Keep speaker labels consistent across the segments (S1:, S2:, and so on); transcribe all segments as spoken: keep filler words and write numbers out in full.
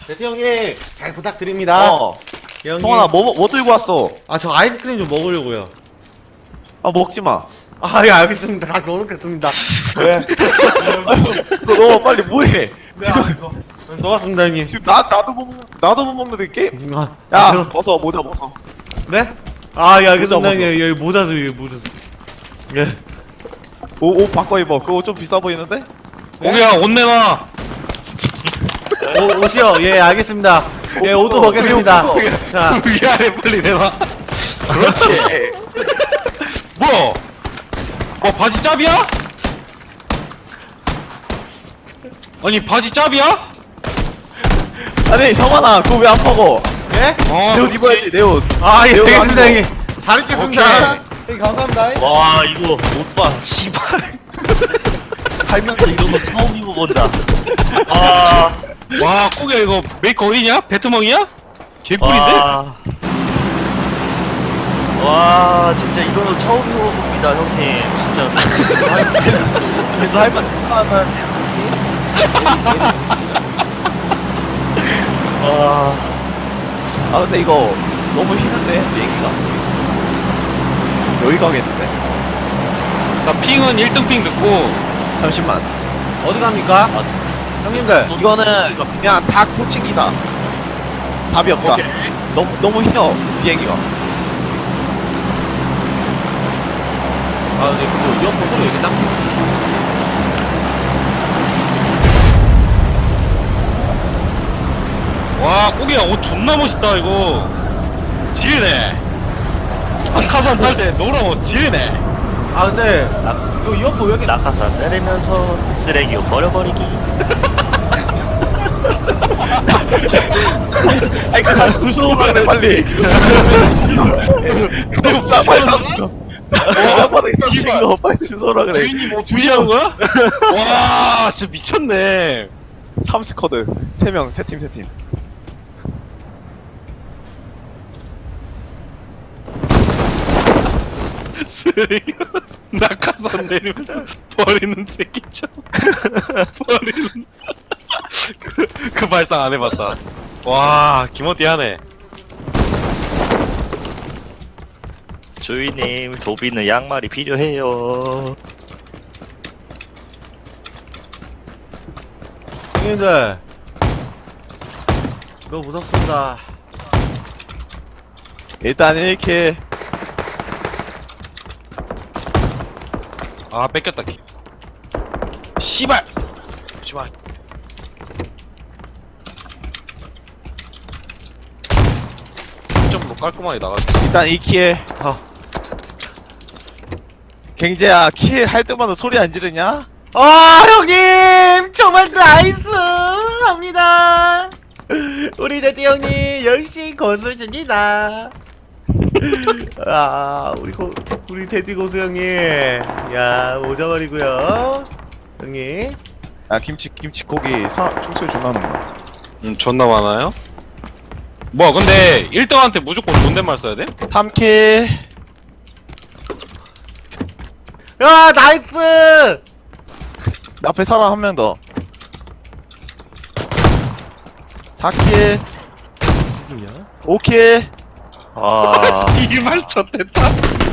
S1: 대태 형님 잘 부탁드립니다.
S2: 어.
S1: 예, 형님.
S2: 성환아 뭐, 뭐 들고 왔어?
S1: 아 저 아이스크림 좀 먹으려고요.
S2: 아 먹지마.
S1: 아 예 알겠습니다. 다시 먹겠습니다. 네.
S2: 그거 너 빨리 뭐해?
S1: 지금 넣었습니다 형님.
S2: 지금 나, 나도 못 먹, 나도 못 먹는데 게임?
S1: 아,
S2: 야
S1: 저-
S2: 벗어 모자 벗어.
S1: 네? 아 예 알겠습니다
S2: 모자
S1: 형님. 여기 모자도 여기 모자. 예.
S2: 옷, 옷 바꿔 입어. 그거 좀 비싸 보이는데?
S3: 오야 옷 내놔.
S1: 오, 옷이요. 예 알겠습니다. 예
S2: 옷
S1: 옷도
S2: 벗어.
S1: 먹겠습니다.
S2: 옷 벗어.
S1: 자
S3: 위아래 빨리 내놔. 그렇지. 뭐? 뭐 바지 짭이야? 아니 바지 짭이야?
S2: 아니 성환아 그거 왜 안 먹어?
S1: 예?
S3: 어.
S2: 내 옷 입어야지 내 옷.
S1: 아 예
S2: 매우
S1: 알겠습니다
S2: 안
S1: 형님. 잘 입겠습니다. 형님 감사합니다.
S4: 와 이거 오빠 씨발 살면서 이런 거 처음 입어본다. 아,
S3: 와 꼬기야 이거 메이커 어디냐? 베트멍이야? 개꿀인데?
S4: 와, 와 진짜 이런 거 처음 입어봅니다 형님. 진짜 그래도 할만 하면 와,
S2: 아 근데 이거 너무 힘든데 비행기가. 여기 가겠는데?
S3: 나 핑은 일 등 핑 듣고
S2: 잠시만.
S1: 어디 갑니까? 형님들.
S2: 이거는 그냥 다 코칭기다. 답이 없다. 너무 너무 휘어 비행기가.
S1: 아 이제 그거 이어폰 소리 왜 이렇게 딱?
S3: 와 꼬기야 옷 존나 멋있다 이거. 지리네. 낙하산 탈 때 노란 옷 지리네.
S1: 아 근데 이거 이어폰 왜 이렇게 딱?
S4: 낙하산 내리면서 쓰레기 버려버리기.
S2: 아니 그 다시 두셔 그래 빨리. 나 빨리 삼십. 어, 바닥에 삼십 거 빨리 주소라 그래.
S3: 주인님 뭐 주시하는 거야? 와 진짜 미쳤네.
S2: 삼십 커드 세 명 세 팀 세 팀.
S3: 쓰레기 낙하산 내리면서 버리는 새끼죠. 버리는 그, 그 발상 안 해봤다. 와 기모띠하네.
S4: 주인님 도비는 양말이 필요해요.
S1: 형님들 이거 무섭습니다.
S2: 일단 이렇게
S3: 아 뺏겼다 키. 씨발. 씨발. 점뭐 깔끔하게 나갔지.
S2: 일단 이 킬.
S1: 아.
S2: 갱재야 킬 할 때마다 소리 안 지르냐?
S1: 아 형님 정말 나이스 합니다. 우리 대태 형님 역시 고수십니다. 아 우리 고 우리 대디 고수 형님 야 오자말이고요 형님.
S2: 야 김치 김치고기 사 총소리 존나 하는 거.
S3: 음 존나 많아요? 뭐 근데 일 등한테 무조건 존댓말 써야 돼?
S2: 삼 킬.
S1: 야 나이스.
S2: 앞에 사람 한 명 더. 사 킬.
S1: 죽이냐?
S2: 오 킬.
S4: 아,
S3: 씨발 쳤댔다.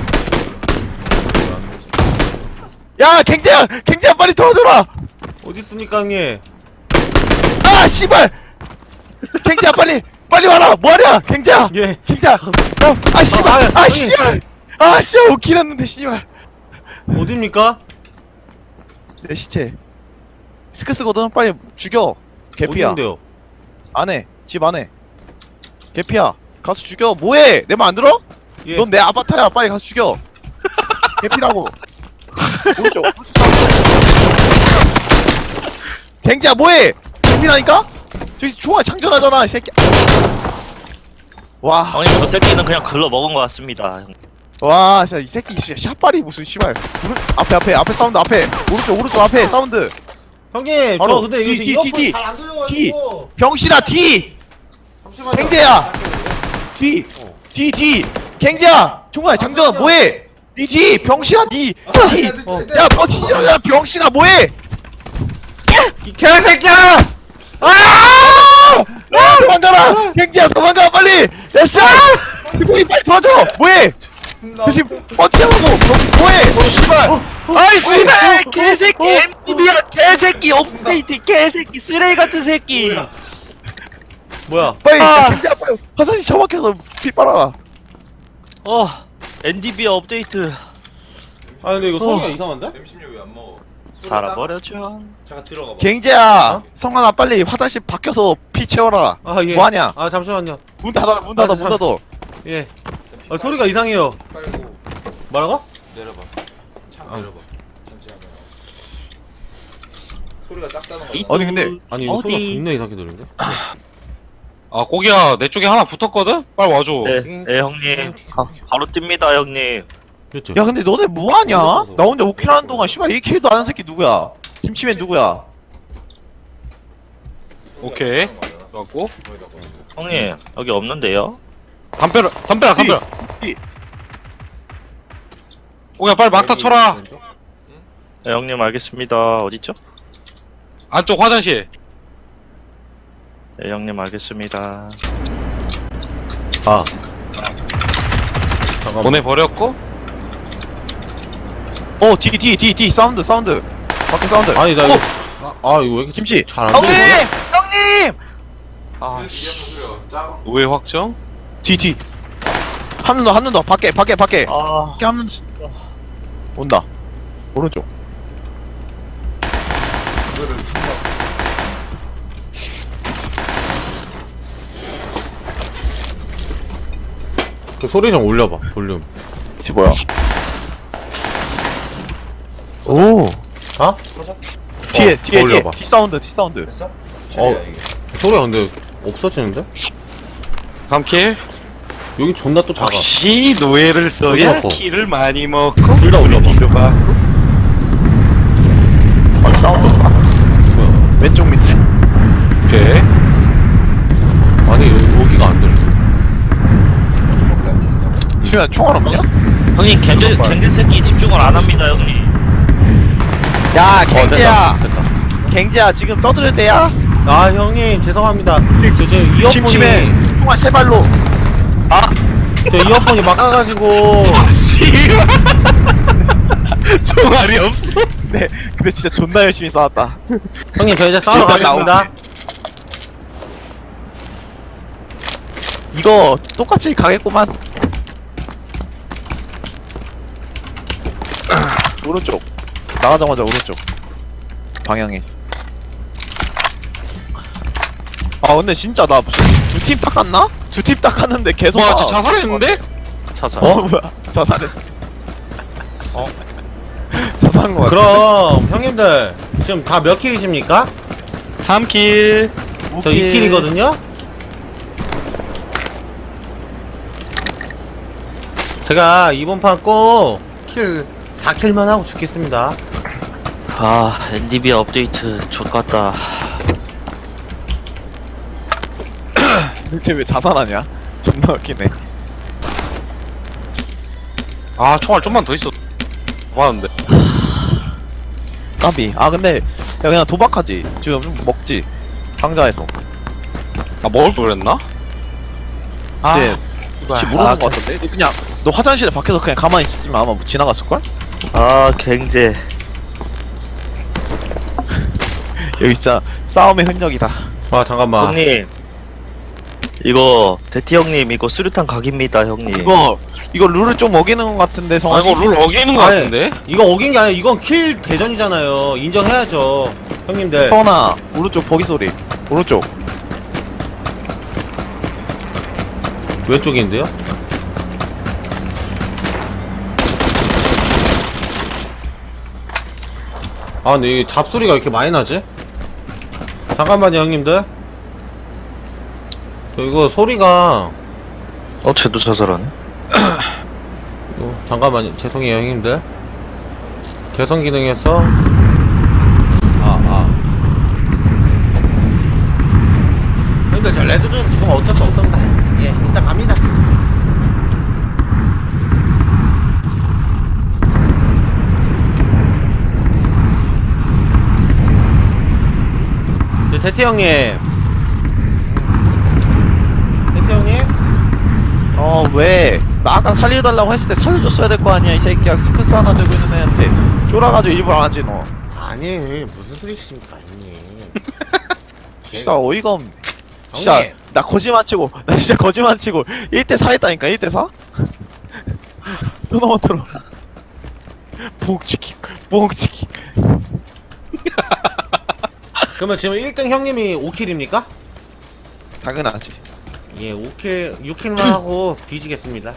S2: 야 갱재야 갱재야 빨리 도와줘라.
S1: 어디 있습니까 형님?
S2: 아 씨발. 갱재야 빨리 빨리 와라. 뭐하냐 갱재야.
S1: 예.
S2: 갱재야. 어, 아 씨발.
S1: 아,
S2: 아
S1: 형님.
S2: 씨발. 아 씨발 오 킬 했는데 씨발.
S1: 어디입니까?
S2: 내 시체. 스크스거든 빨리 죽여. 개피야.
S1: 어디인데요?
S2: 안해. 집 안에. 개피야. 가서 죽여. 뭐해? 내 말 안 들어?
S1: 예.
S2: 넌 내 아바타야. 빨리 가서 죽여. 개피라고. 오른쪽. 갱지야 뭐해? 개피라니까? 저기 총알 창전하잖아 이 새끼. 와.
S4: 형님 저 새끼는 그냥 글러 먹은 것 같습니다. 형.
S2: 와 진짜 이 새끼 진짜 샷발이 무슨 씨발. 오른 앞에 앞에 앞에 사운드 앞에. 오른쪽 오른쪽 앞에 사운드.
S1: 형님 저
S2: 바로
S1: 근데 이거
S2: 뒤,
S1: 지금
S2: 뒤,
S1: 이어폰
S2: 뒤,
S1: 잘안 들려가지고.
S2: 병신아 뒤.
S1: 잠시만요.
S2: 갱재야! 뒤! 뒤! 뒤! 갱재야! 총알 장전 뭐해? 니 뒤! 병신아 니! 뒤! 야 버티지 야 병신아 뭐해?
S1: 이 개새끼야! 아!
S2: 갱지야 갱지야 도망가 빨리 야씨 거기 빨리 도와줘 뭐해 조심 뻗치라고 뭐해
S4: 어 씨발 아이 씨발 개새끼 엠티비야 개새끼 업데이트 개새끼 쓰레기 같은 새끼
S1: 뭐야?
S2: 빨리
S4: 아.
S2: 야, 갱지야 빨리 화산이 처박혀서 피 빨아라
S4: 어 엔디비아 업데이트
S1: 아 근데 이거 소리가
S4: 어.
S1: 이상한데?
S5: 엠십육 왜 안 먹어?
S4: 살아버렸죠
S5: 잠깐 들어가 봐.
S2: 갱지야 성환아 빨리 화장실 밖에서 피 채워라
S1: 아 예.
S2: 뭐하냐
S1: 아 잠시만요.
S2: 문 닫아 문 닫아
S1: 아,
S2: 문 닫아
S1: 예. 아 소리가 이상해요.
S5: 빨고
S1: 뭐라고?
S5: 내려봐. 창 내려봐. 잠시만요. 소리가 작다는 거.
S4: 이-
S2: 아니 근데
S1: 아니 이거
S4: 어디?
S1: 소리가 존나 이상하게 들리는데?
S3: 아 고기야 내 쪽에 하나 붙었거든? 빨리 와줘.
S4: 네, 네 형님 가, 바로 뜹니다 형님
S1: 그렇죠.
S2: 야 근데 너네 뭐하냐?
S1: 그래서.
S2: 나 혼자 오킬 하는 동안 씨발 일 킬도 안 하는 새끼 누구야? 김치맨 누구야?
S3: 오케이. 갖고
S4: 형님 여기 없는데요?
S3: 담벼라 담벼라 담벼라.
S2: 이-
S3: 고기야 빨리 막타 쳐라.
S4: 네 형님 알겠습니다 어딨죠?
S3: 안쪽 화장실.
S4: 네 형님 알겠습니다
S1: 아. 잠깐만.
S3: 보내버렸고.
S2: 어 뒤 뒤 뒤 뒤 사운드 사운드 밖에 사운드
S1: 아니 나 이거 아, 아 이거 왜 이렇게
S2: 김치
S1: 잘안
S4: 형님!
S1: 들리냐?
S4: 형님!
S5: 아,
S4: 아 씨.
S5: 소리가 작아.
S3: 우회 확정.
S2: 뒤뒤 한눈 더 한눈 더 밖에 밖에 밖에
S4: 아
S2: 밖에 한눈 온다 오른쪽
S5: 이거를
S1: 그 소리 좀 올려봐. 볼륨.
S2: 지 뭐야 오
S1: 아?
S2: 뒤에
S1: 어,
S2: 뒤에 뒤에
S1: 올려봐.
S2: 뒤 사운드 뒤 사운드
S5: 됐어?
S1: 어.
S5: 최대야 이게.
S1: 소리가 근데 없어지는데?
S3: 삼 킬.
S1: 여기 존나 또 작아.
S3: 역시 노예를 써야
S1: 올려봐.
S3: 키를 많이 먹고.
S1: 둘 다 올려봐.
S3: 봐.
S2: 밖에 사운드
S1: 뭐야?
S2: 왼쪽 밑에
S3: 오케이.
S1: 아니 여기, 여기가 안 들려.
S5: 밖에 안 된다.
S2: 시우야 총알 없냐?
S4: 형님 겐들
S1: 잠깐만.
S4: 겐들 새끼 집중을 안 합니다 형님
S2: 야
S1: 어,
S2: 갱지야
S1: 됐다. 됐다.
S2: 갱지야 지금 떠들 때야?
S1: 아 형님 죄송합니다. 저 지금 이어폰이
S2: 김치맨 총알 세 발로
S1: 저 이어폰이 막아가지고
S3: 씨발. 총알이 없어.
S2: 네 근데 진짜 존나 열심히 싸웠다
S1: 형님 저 이제 싸우러
S2: 지금
S1: 가겠습니다.
S2: 이거 똑같이 가겠구만 오른쪽 나가자마자 오른쪽 방향에 있어 아 근데 진짜 나 무슨 두 팀 닦았나? 두 팀 닦았는데 계속
S3: 와
S2: 나-
S3: 진짜 자살했는데?
S4: 차사
S2: 어 뭐야 자살했어
S3: 어?
S2: 자살한 거 같아
S1: 그럼 형님들 지금 다 몇 킬이십니까?
S3: 삼 킬.
S1: 저 이 킬이거든요? 제가 이번 판 꼭 킬 사 킬만 하고 죽겠습니다.
S4: 아 엔디비아 업데이트 족같다
S2: 대체 왜 자살하냐? 존나 웃기네
S3: 아 총알 좀만 더 있어. 많은데.
S2: 까비 아 근데 야 그냥 도박하지 지금 좀 먹지 상자에서
S3: 아 먹을 걸 그랬나?
S2: 근데 혹시 모르는
S4: 아,
S2: 거 같은데? 너 그냥 너 화장실에 밖에서 그냥 가만히 있으면 아마 지나갔을걸?
S4: 아 갱제
S2: 여기 진짜 싸움의 흔적이다
S1: 아 잠깐만.
S4: 형님 이거 대티 형님 이거 수류탄 각입니다 형님
S2: 이거 이거 룰을 좀 어기는 것 같은데
S3: 아
S2: 성환이
S3: 이거 룰 어기는 거
S1: 아니,
S3: 같은데?
S1: 이거 어긴 게 아니라 이건 킬 대전이잖아요. 인정해야죠. 형님들.
S2: 성환아 오른쪽 버기 소리 오른쪽
S1: 왼쪽인데요? 아 근데 이 잡소리가 왜 이렇게 많이 나지? 잠깐만요 형님들. 저 이거 소리가
S4: 어 쟤도 자살하네
S1: 어, 잠깐만요. 죄송해요, 형님들. 개선 기능에서 아, 아. 형님들 저 레드존 죽으면 어쩔 수 없습니다. 예, 일단 갑니다. 네, 대태 형님.
S2: 왜? 나 아까 살려달라고 했을 때 살려줬어야 될 거 아니야 이 새끼야. 스크스 하나 들고 있는 애한테 쫄아가지고 일부러 안 하지 너.
S1: 아니 무슨 소리십니까 형님.
S2: 진짜 어이가 없네. 진짜
S1: 형님.
S2: 나 거짓말 치고 나 진짜 거짓말 치고 일 대 사 했다니까. 일 대 사? 토너먼트로 봉치기 봉치기.
S1: 그러면 지금 일 등 형님이 오 킬입니까?
S2: 당연하지.
S1: 예, 오 킬, 육 킬만 하고 뒤지겠습니다.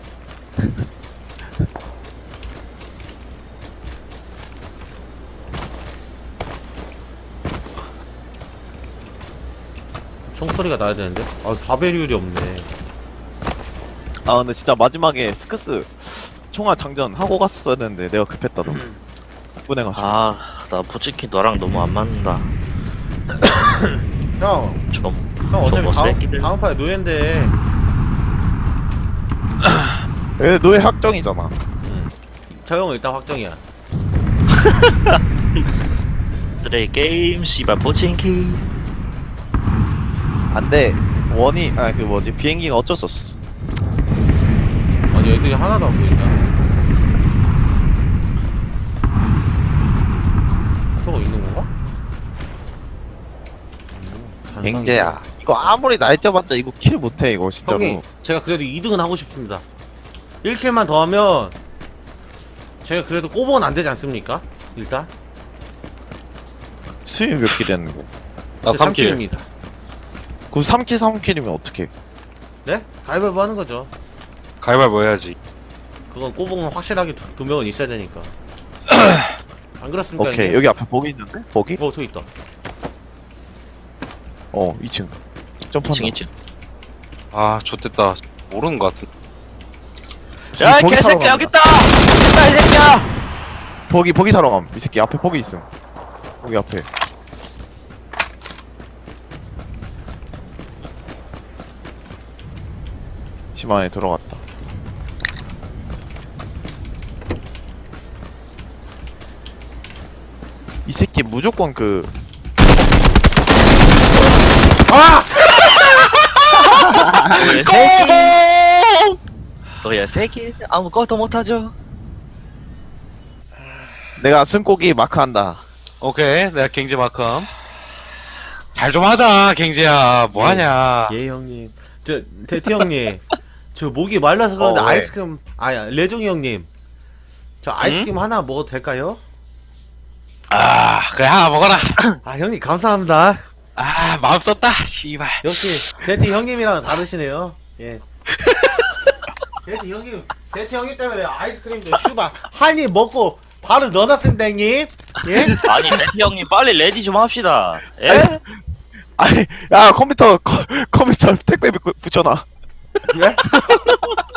S1: 총소리가 나야 되는데? 아, 사배율이 없네.
S2: 아 근데 진짜 마지막에 스크스 총알 장전 하고 갔었어야 되는데 내가 급했다 너무. 보내가지고.
S4: 아, 나 솔직히 너랑 너무 안 맞는다.
S1: 형,
S4: 좀.
S1: 형 어차피
S4: 저거
S1: 다음,
S4: 새끼들.
S1: 다음 판에 노예인데.
S2: 왜 너의 확정이잖아.
S1: 저 형은 일단 확정이야.
S4: 쓰레기 게임, 씨발 포칭키.
S2: 안돼. 원이 아 그 뭐지 비행기가 어쩔 수 없어.
S1: 아니, 애들이 하나도 안 보인다. 저거 있는 건가? 음,
S2: 갱제야. 이거 아무리 날짜봤자 이거 킬 못해 이거 진짜로.
S1: 형님, 제가 그래도 이 등은 하고 싶습니다. 일 킬만 더 하면 제가 그래도 꼬봉은 안 되지 않습니까? 일단
S2: 수위 몇 킬이었는데?
S3: 나 삼 킬.
S1: 입니다.
S2: 그럼 삼 킬 삼 킬이면 어떡해?
S1: 네? 가위바위보 하는 거죠.
S3: 가위바위보 해야지.
S1: 그건 꼬봉은 확실하게 두, 두 명은 있어야 되니까. 안 그렇습니까?
S2: 오케이
S1: 형님?
S2: 여기 앞에 버기 있는데? 버기?
S1: 어, 저 있다.
S2: 어 이 층 점프한다.
S4: 이 층 이 층.
S3: 아 좋댔다. 모르는 것 같은.
S4: 야, 이
S2: 버기 타러
S4: 개새끼
S2: 간다.
S4: 여기 있다. 여기 있다 이 새끼야.
S2: 버기 버기 사러 감. 이 새끼 앞에 버기 있음. 여기 앞에. 집 안에 들어갔다. 이 새끼 무조건 그
S4: 너의 새끼. 너의 새끼 아무것도 못하죠.
S2: 내가 승고기 마크한다.
S3: 오케이, 내가 갱제 마크함. 잘 좀 하자, 갱제야. 뭐 하냐?
S1: 예, 형님. 저, 대티 형님. 저 목이 말라서 그런데
S2: 어, 왜?
S1: 아이스크림, 아야, 레종이 형님. 저 아이스크림 하나 먹어도 될까요?
S3: 아, 그래 하나 먹어라.
S1: 아, 형님, 감사합니다.
S3: 아, 마음 썼다. 씨발.
S1: 역시, 대티 형님이랑 다르시네요. 예. 대티 형님, 대티 형님 때문에 아이스크림도 슈바 한 입 먹고 바로 넣어놨습니다, 형님. 예?
S4: 아니 레디 형님 빨리 레디 좀 합시다. 예?
S2: 아니 야 컴퓨터 컴, 컴퓨터 택배 붙- 붙여놔.
S1: 예?